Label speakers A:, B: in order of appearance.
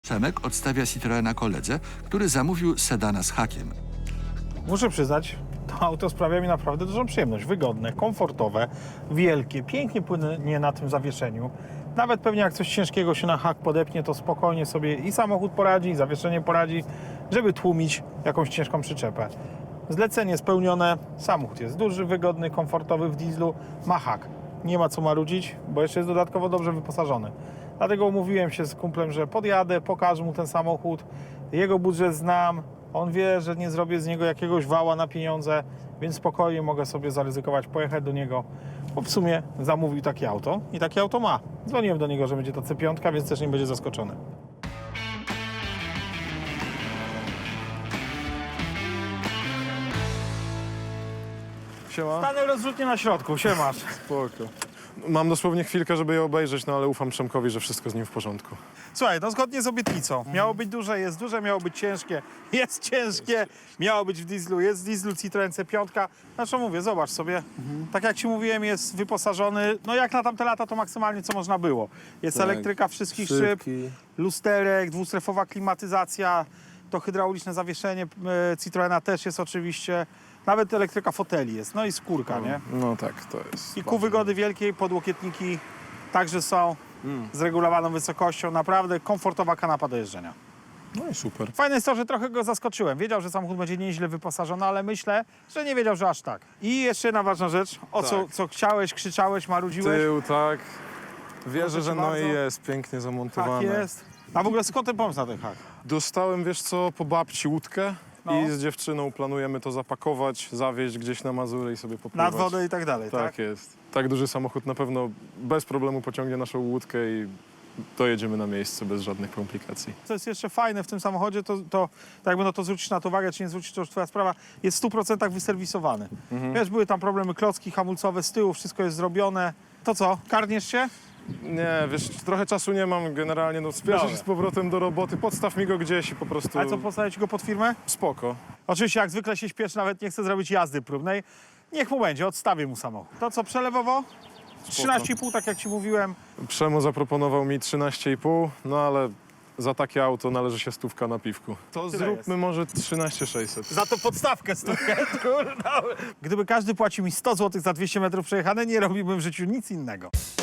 A: Przemek odstawia Citroena koledze, który zamówił sedana z hakiem.
B: Muszę przyznać, to auto sprawia mi naprawdę dużą przyjemność. Wygodne, komfortowe, wielkie, pięknie płynie na tym zawieszeniu. Nawet pewnie jak coś ciężkiego się na hak podepnie, to spokojnie sobie i samochód poradzi, i zawieszenie poradzi, żeby tłumić jakąś ciężką przyczepę. Zlecenie spełnione, samochód jest duży, wygodny, komfortowy w dieslu, ma hak. Nie ma co marudzić, bo jeszcze jest dodatkowo dobrze wyposażony. Dlatego umówiłem się z kumplem, że podjadę, pokażę mu ten samochód. Jego budżet znam, on wie, że nie zrobię z niego jakiegoś wała na pieniądze, więc spokojnie mogę sobie zaryzykować, pojechać do niego, bo w sumie zamówił takie auto i takie auto ma. Dzwoniłem do niego, że będzie to C5, więc też nie będzie zaskoczony.
C: Siema.
B: Stanę rozrzutnie na środku, siemasz.
C: Spoko. Mam dosłownie chwilkę, żeby je obejrzeć, no ale ufam Przemkowi, że wszystko z nim w porządku.
B: Słuchaj, no zgodnie z obietnicą. Miało być duże, jest duże, miało być ciężkie, jest ciężkie, miało być w dieslu, jest w dieslu Citroen C5. Znaczy mówię, zobacz sobie, tak jak ci mówiłem, jest wyposażony, no jak na tamte lata to maksymalnie co można było. Jest
C: Tak.
B: elektryka wszystkich szyb, lusterek, dwustrefowa klimatyzacja, to hydrauliczne zawieszenie Citroena też jest oczywiście, nawet elektryka foteli jest, no i skórka, nie?
C: No tak, to jest.
B: I ku wygody wielkiej, podłokietniki także są z regulowaną wysokością. Naprawdę komfortowa kanapa do jeżdżenia.
C: No i super.
B: Fajne jest to, że trochę go zaskoczyłem. Wiedział, że samochód będzie nieźle wyposażony, ale myślę, że nie wiedział, że aż tak. I jeszcze jedna ważna rzecz. O
C: Tak.
B: co chciałeś, krzyczałeś, marudziłeś?
C: Tył, tak. Wierzę,
B: Proszę
C: że
B: bardzo.
C: no i jest pięknie
B: Hak
C: zamontowane.
B: jest. A w ogóle skąd ten pomysł na ten hak?
C: Dostałem, wiesz co, po babci łódkę
B: No.
C: i z dziewczyną planujemy to zapakować, zawieźć gdzieś na Mazury i sobie popływać.
B: Nad wodę i tak dalej, tak?
C: Tak jest. Tak duży samochód na pewno bez problemu pociągnie naszą łódkę i dojedziemy na miejsce bez żadnych komplikacji.
B: Co jest jeszcze fajne w tym samochodzie, to jakby no to zwrócisz na to uwagę, czy nie zwrócisz, to już twoja sprawa, jest w 100% wyserwisowany. Wiesz, były tam problemy klocki hamulcowe z tyłu, wszystko jest zrobione. To co, karniesz się?
C: Nie, wiesz, trochę czasu nie mam generalnie, no spieszę
B: Dobra.
C: się z powrotem do roboty, podstaw mi go gdzieś i po prostu
B: Ale co, postawić go pod firmę?
C: spoko.
B: Oczywiście jak zwykle się śpieszy, nawet nie chce zrobić jazdy próbnej. Niech mu będzie, odstawię mu samochód. To co, przelewowo? 13,5, tak jak ci mówiłem.
C: Przemo zaproponował mi 13,5, no ale za takie auto należy się stówka na piwku. To
B: Tyle
C: zróbmy
B: jest.
C: może 13,600.
B: Za to podstawkę stówkę, kurwa. Gdyby każdy płacił mi 100 zł za 200 metrów przejechane, nie robiłbym w życiu nic innego.